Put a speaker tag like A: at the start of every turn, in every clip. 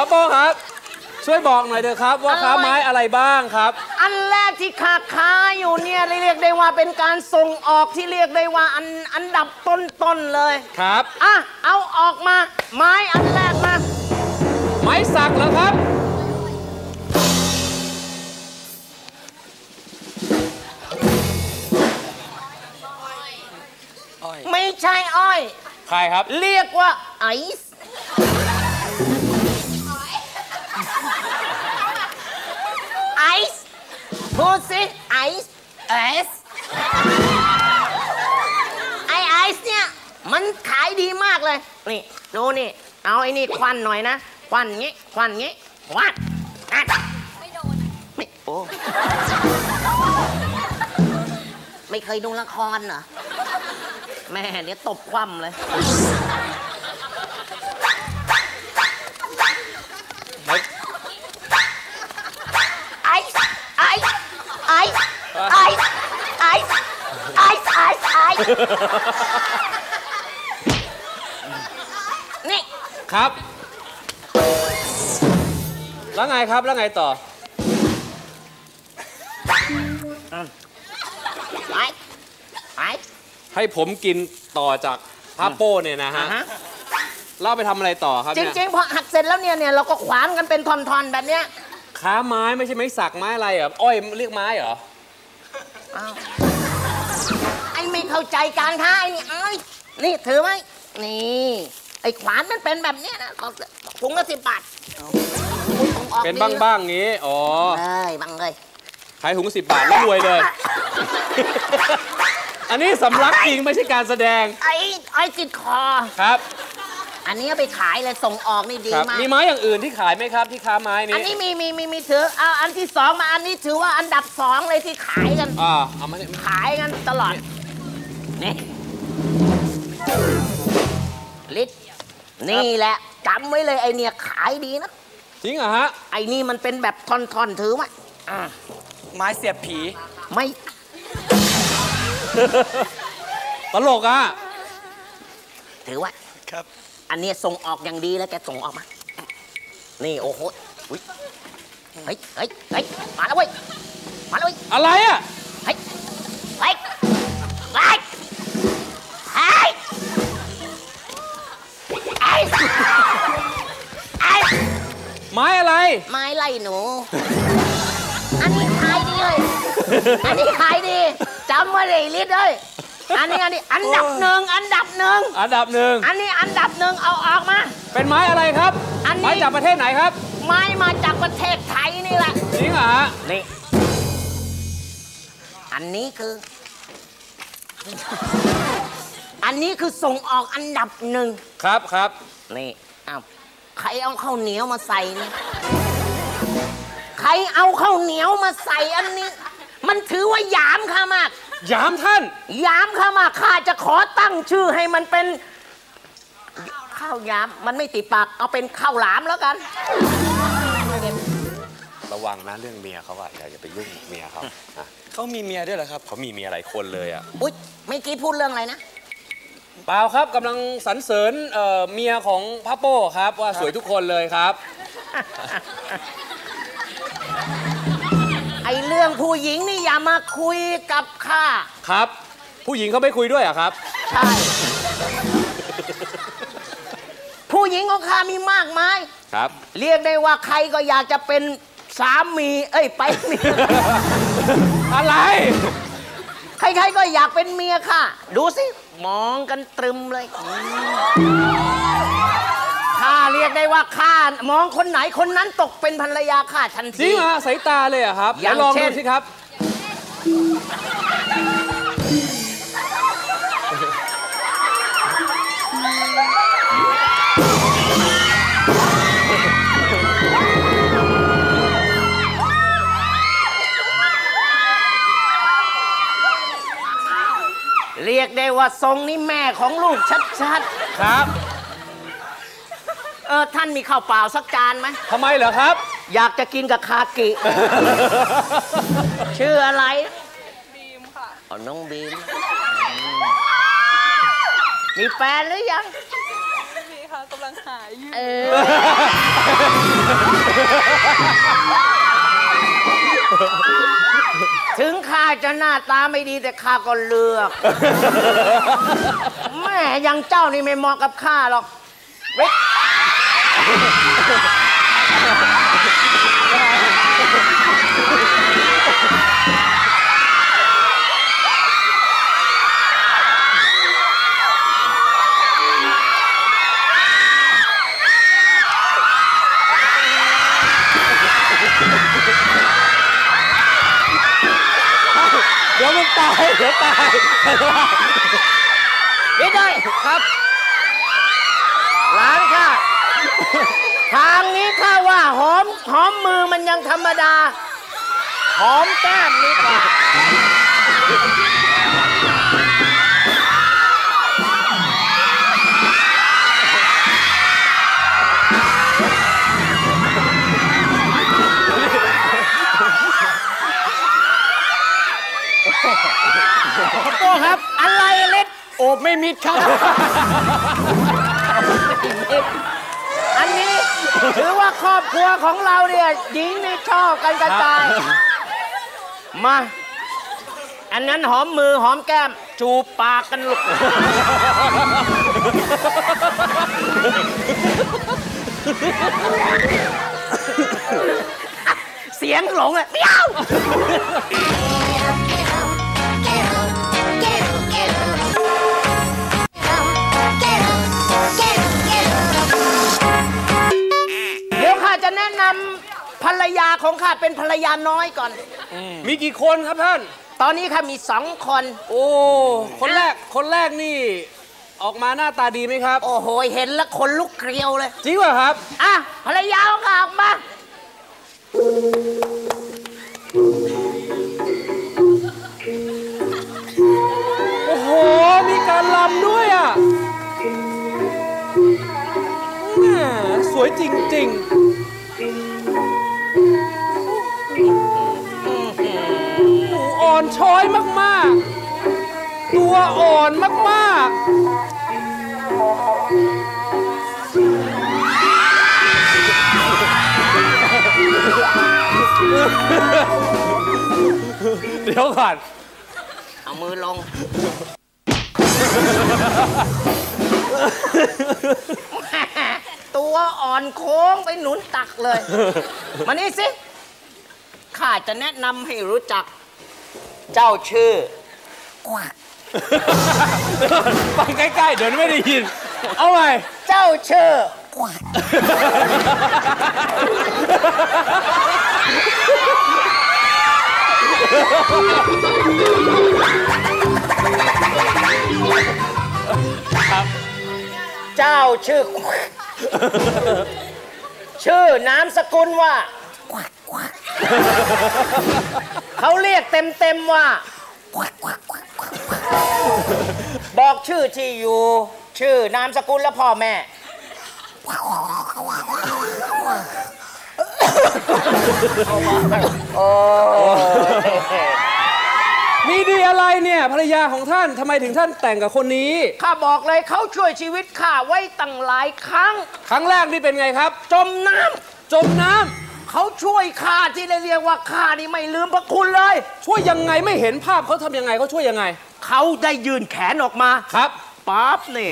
A: โป้ครับช่วยบอกหน่อยเถอะครับว่าค้าไม้อะไรบ้างครับ
B: อันแรกที่ค้าอยู่เนี่ยเรียกได้ว่าเป็นการส่งออกที่เรียกได้ว่าอันดับต้นเลย
A: ครับ
B: เอาออกมาไม้อันแรกมา
A: ไม้สักเหรอครับ
B: ไม่ใช่อ้อย
A: ใครครับ
B: เรียกว่าไอซ์ไอซ์พูดสิไอซ์ไอซ์เนี่ยมันขายดีมากเลยนี่ดูนี่เอาไอ้นี่ควันหน่อยนะควันงี้ควันไม่โดนไม่โอ้ไม่เคยดูละครเหรอแม่เดี๋ยวตบคว่ำเลยไอนี่
A: ครับแล้วไงครับแล้วไงต่อให้ผมกินต่อจากพาโป้เนี่ยนะฮะเราไปทำอะไรต่อครับ
B: จริงๆพอหักเสร็จแล้วเนี่ยเราก็ขวานกันเป็นท่อนๆแบบเนี้ย
A: ค้าไม้ไม่ใช่ไม้สักไม้อะไรเหรออ้อยเรียกไม้เหรอ
B: ไอ้ไม่เข้าใจการค้าไอ้นี่ถือไหมนี่ไอ้ขวานมันเป็นแบบเนี้ยนะถุงละ10 บาท
A: เป็นบ้างๆงี้อ๋อ
B: บ้างเลย
A: ขายถุง10 บาทแล้วรวยเลยอันนี้สำลักจริงไม่ใช่การแสดง
B: ไอ้ติดคอ
A: ครับ
B: อันนี้ไปขายเลยส่งออกนี่ดีมาก
A: มีไม้อย่างอื่นที่ขายไหมครับที่ค้าไม้นี้
B: อันนี้มีถือเอาอันที่2มาอันนี้ถือว่าอันดับ2เลยที่ขายกัน
A: เอามา
B: ขายกันตลอดนี่ลิตนี่แหละจำไว้เลยไอเนี่ยขายดีนะ
A: จริงเหรอฮะ
B: ไอนี่มันเป็นแบบท่อนๆถือไหม
C: ไม้เสียบผี
B: ไม่
A: ตลกอ่ะ
B: ถือว่า
C: ครับ
B: อันนี้ส่งออกอย่างดีแล้วแกส่งออกมานี่โอ้โหเฮ้ยมาแล้วเว้ย
A: อะไรอ่ะ
B: เฮ้ย
A: ไม้อะไร
B: ไม้ไล่หนูอันนี้ขายดีเลยอันนี้ขายดีจำไว้เลยลิศเลยอันนี้อันดับหนึ่งอันนี้อันดับหนึ่งเอาออกมา
A: เป็นไม้อะไรครับไม้จากประเทศไหนครับ
B: ไม้มาจากประเทศไทยนี่แหละ
A: จริงเหรอ
B: นี่อันนี้คือส่งออกอันดับหนึ่ง
A: ครับ
B: นี่ใครเอาข้าวเหนียวมาใส่นี่ใครเอาข้าวเหนียวมาใส่อันนี้มันถือว่าหยามข้ามาก
A: หยามท่าน
B: หยามข้ามากข้าจะขอตั้งชื่อให้มันเป็นข้าวหยามมันไม่ติดปากเอาเป็นข้าวหลามแล้วกัน
A: ระวังนะเรื่องเมียเขาอะอย่าไปยุ่งเมียเขา
C: เขามีเมียด้วยเหรอครับ
A: เขามีเมียหลายคนเลยอะ
B: อุ๊ยเมื่อกี้พูดเรื่องอะไรนะ
A: เปล่าครับกำลังสรรเสริญเมียของพาโป้ครับว่าสวยทุกคนเลยครับ
B: ไอเรื่องผู้หญิงนี่อย่ามาคุยกับข้า
A: ครับผู้หญิงเขาไม่คุยด้วยอะครับ
B: ใช่ผู้หญิงของข้ามีมากมาย
A: ครับ
B: เรียกได้ว่าใครก็อยากจะเป็นสามีไปเมีย
A: อะไร
B: ใครๆก็อยากเป็นเมียค่ะดูสิมองกันตรึมเลยข้าเรียกได้ว่าข้ามองคนไหนคนนั้นตกเป็นภรรยาข้าทันที
A: จริงเหรอสายตาเลยอะครับลองดูสิครับ
B: เรียกได้ว่าทรงนี้แม่ของลูกชัด
A: ๆครับ
B: ท่านมีข้าวเปล่าสักจานไหม
A: ทำไมเหรอครับ
B: อยากจะกินกับคากิชื่ออะไร
D: บีมค่ะ
B: น้องบีมมีแฟนหรือยัง
D: ไม่มีค่ะกำลังลังหายอยู่
B: ถึงข้าจะหน้าตาไม่ดีแต่ข้าก็เลือกแม่ยังเจ้านี่ไม่เหมาะกับข้าหรอกเว้ย
A: เดี๋ยวมันตายเดี๋ยวตาย
B: นี่ได้ครับหลานข้าทางนี้ข้าว่าหอมมือมันยังธรรมดาหอมแก้มนี่กว่าโต้ครับอะไรเล็ดโอบไม่มิดครับอันนี้ถือว่าครอบครัวของเราเนี่ยหญิงนี่ชอบกันกระจายมาอันนั้นหอมมือหอมแก้มจูบปากกันลูกเสียงหลงเลยเปี้ยวเดี๋ยวข้าจะแนะนำภรรยาของข้าเป็นภรรยาน้อยก่อน
A: มีกี่คนครับท่าน
B: ตอนนี้ข้ามี2 คน
A: โอ้คนแรกนี่ออกมาหน้าตาดีไหมครับ
B: โอ้โหเห็นแล้วขนลุกเกลียวเลย
A: จริงป่ะครับ
B: อ่ะภรรยาของข้าออกมา
A: โอ้โหมีการลำด้วยอ่ะแหมสวยจริงๆอ่อนช้อยมากๆตัวอ่อนมากๆเดี๋ยวก่อน
B: เอามือลง ตัวอ่อนโค้งไปหนุนตักเลย มานี่สิ ข้าจะแนะนำให้รู้จัก เจ้าชื่อกวัก
A: ไปใกล้ๆเดี๋ยวไม่ได้ยิน เอาไง
B: เจ้าชื่อกวักเจ้าชื่อกวักชื่อนามสกุลว่ากวักกวักเขาเรียกเต็มๆว่ากวักกวักกวักกวักบอกชื่อที่อยู่ ชื่อนามสกุลและพ่อแม่โอ้
A: มีดีอะไรเนี่ยภรรยาของท่านทำไมถึงท่านแต่งกับคนนี้
B: ข้าบอกเลยเขาช่วยชีวิตข้าไว้ตั้งหลายครั้ง
A: ครั้งแรกนี่เป็นไงครับ
B: จมน้
A: จมน้ำ
B: ำเขาช่วยข้าที่ได้เรียกว่าข้านี่ไม่ลืมพระคุณเลย
A: ช่วยยังไงไม่เห็นภาพเขาทำยังไงเขาช่วยยังไง
B: เขาได้ยืนแขนออกมา
A: ครับ
B: ปั๊บนี่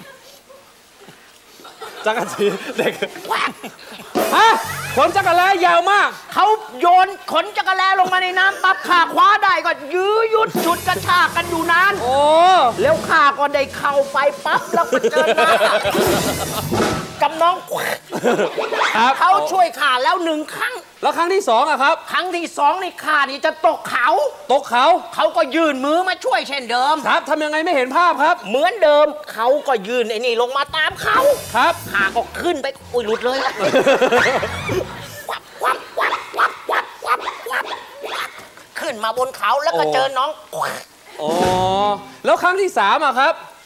A: จักรจีเด็ก
B: แหวก
A: ฮะขนจักรแล้ยาวมาก
B: เขาโยนขนจักรแลลงมาในน้ำปั๊บข้าคว้าได้ก็ยื้อยุดฉุดกระชากกันอยู่นาน
A: โอ้
B: แล้วข้าก็ได้เข้าไปปั๊บแล้วก็เจอหน้ากับน้อง
A: ครับ
B: เขาช่วยข้าแล้ว1 ครั้ง
A: แล้วครั้งที่2อะครับ
B: ครั้งที่2นี่ข้านี่จะตกเขา
A: ตกเขา
B: เขาก็ยื่นมือมาช่วยเช่นเดิม
A: ครับทำยังไงไม่เห็นภาพครับ
B: เหมือนเดิมเขาก็ยื่นไอ้นี่ลงมาตามเขา
A: ครับ
B: ข้าก็ขึ้นไปอุ้ยหลุดเลยวับวับวับวับวับวับวับวับขึ้นมาบนเขาแล้วก็เจอน้อง
A: อ๋อแล้วครั้งที่3อะครับ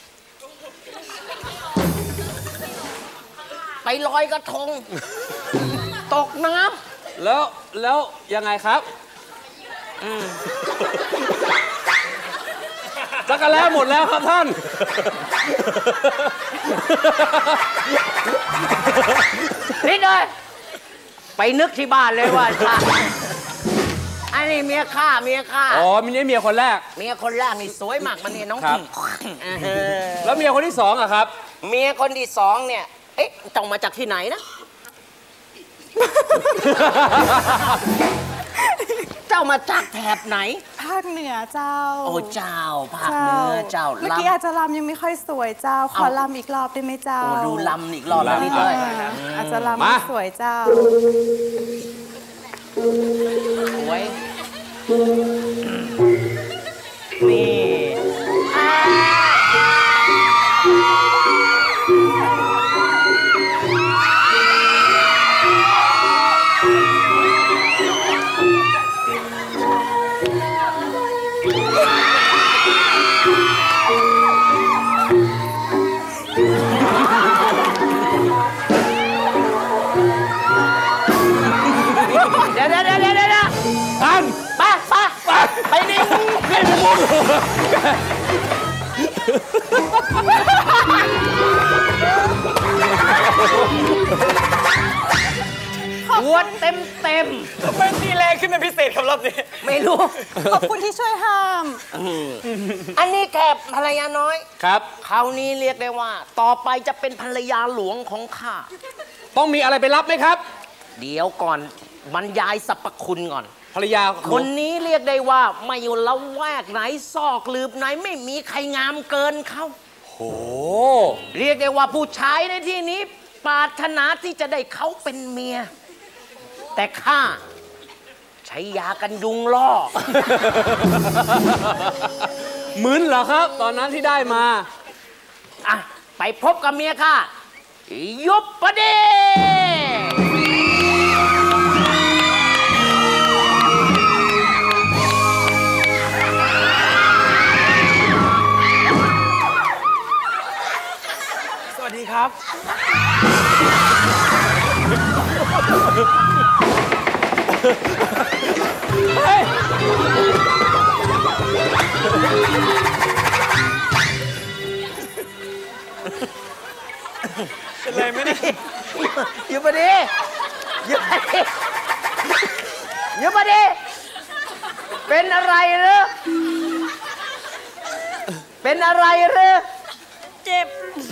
B: ไปลอยกระทง ตกน้
A: แล้วยังไงครับ จะสักกันแล้วหมดแล้วครับท่าน
B: นี่เลยไปนึกที่บ้านเลยว่าอันนี้เมียข้า
A: อ๋อมีเมียคนแรก
B: เมียคนแรกนี่สวยมากมันเนี่ยน้อง
A: ครับแล้วเมียคนที่สองอะครับ
B: เมียคนที่สองเนี่ยเอ๊ะต้องมาจากที่ไหนนะ เจ้ามาจากแถบไหน
D: ภาคเหนือเจ้า
B: โอ้เจ้าภาคเหนือเจ้า
D: เมื่อกี้อาจจะลำยังไม่ค่อยสวยเจ้าขอลำอีกรอบได้ไหมเจ้า
B: ดูลำอีกรอบนิดเลย
D: อาจจะลำไม่สวยเจ้า
B: สวยนี่เดี๋ยว
A: ท่าน
B: ไปนี่วนเต็ม
C: เป็นที่แรงขึ้นเป็นพิเศษครับรอบนี้
B: ไม่รู้
D: ขอบคุณที่ช่วยห้าม
B: อันนี้แค่ภรรยาน้อย
A: ครับ
B: คราวนี้เรียกได้ว่าต่อไปจะเป็นภรรยาหลวงของข้า
A: ต้องมีอะไรไปรับไหมครับ
B: เดี๋ยวก่อนบรรยายสรรพคุณก่อน
A: ภรรยา
B: คนนี้เรียกได้ว่าไม่อยู่ละแวกไหนซอกหลืบไหนไม่มีใครงามเกินเขา
A: โห
B: เรียกได้ว่าผู้ชายในที่นี้ปรารถนาที่จะได้เขาเป็นเมียแต่ข้าใช้ยากันยุงล่อ
A: มึนเหรอครับตอนนั้นที่ได้มา
B: อ่ะไปพบกับเมียข้ายุบประเด
C: สวัสดีครับเป็นไรไหมเนี่ย
B: อยู่ปะดิเป็นอะไรหรือ
D: เจ็บ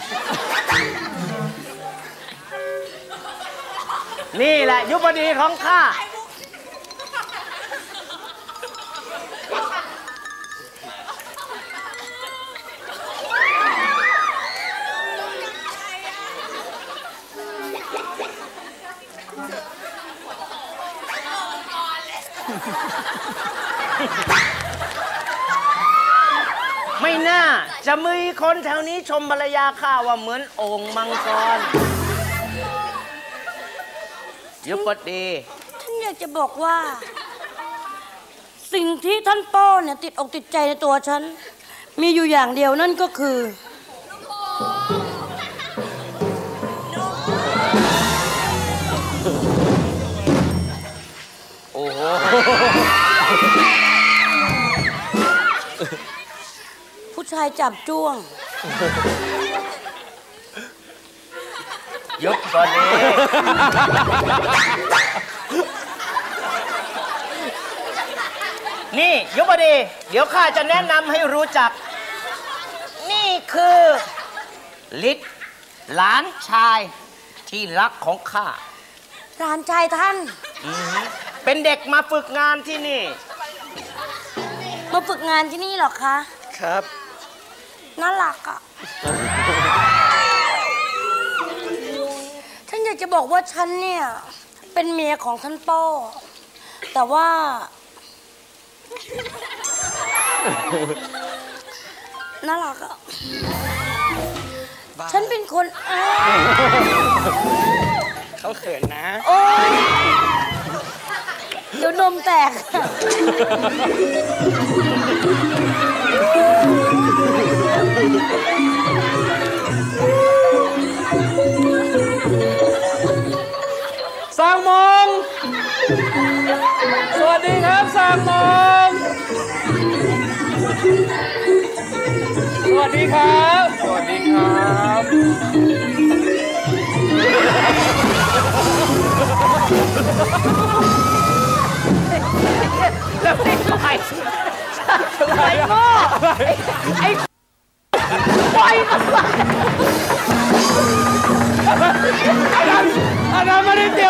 B: นี่แหละยุบดีของข้าไม่น่าจะมีคนแถวนี้ชมภรรยาข้าว่าเหมือนโอ่งมังกรยุบดี
D: ท่านอยากจะบอกว่าสิ่งที่ท่านป้อเนี่ยติดอกติดใจในตัวฉันมีอยู่อย่างเดียวนั่นก็คือ
B: โอ้โห
D: ผู้ชายจับจ้วง
B: ยุบก่อนนี้นี่ยุบดีเดี๋ยวข้าจะแนะนำให้รู้จักนี่คือฤทธิ์หลานชายที่รักของข้า
D: หลานชายท่าน
B: เป็นเด็กมาฝึกงานที่นี่
D: มาฝึกงานที่นี่หรอคะ
C: ครับ
D: น่ารักอ่ะฉันอยากจะบอกว่าฉันเนี่ยเป็นเมียของท่านป้อแต่ว่าน่ารักอ่ะฉันเป็นคน
C: เขาเขินนะ
D: โอ้ยเดี๋ยวนมแตก
A: สร้างมงสวัสดีครับสร้างมงสวัสดีครับ สวัสดีครับ
B: แล้วไม่ใครไอ้โง่ไอ้ปล่อยมัน
A: อันนั้นไม่ได้เตรียม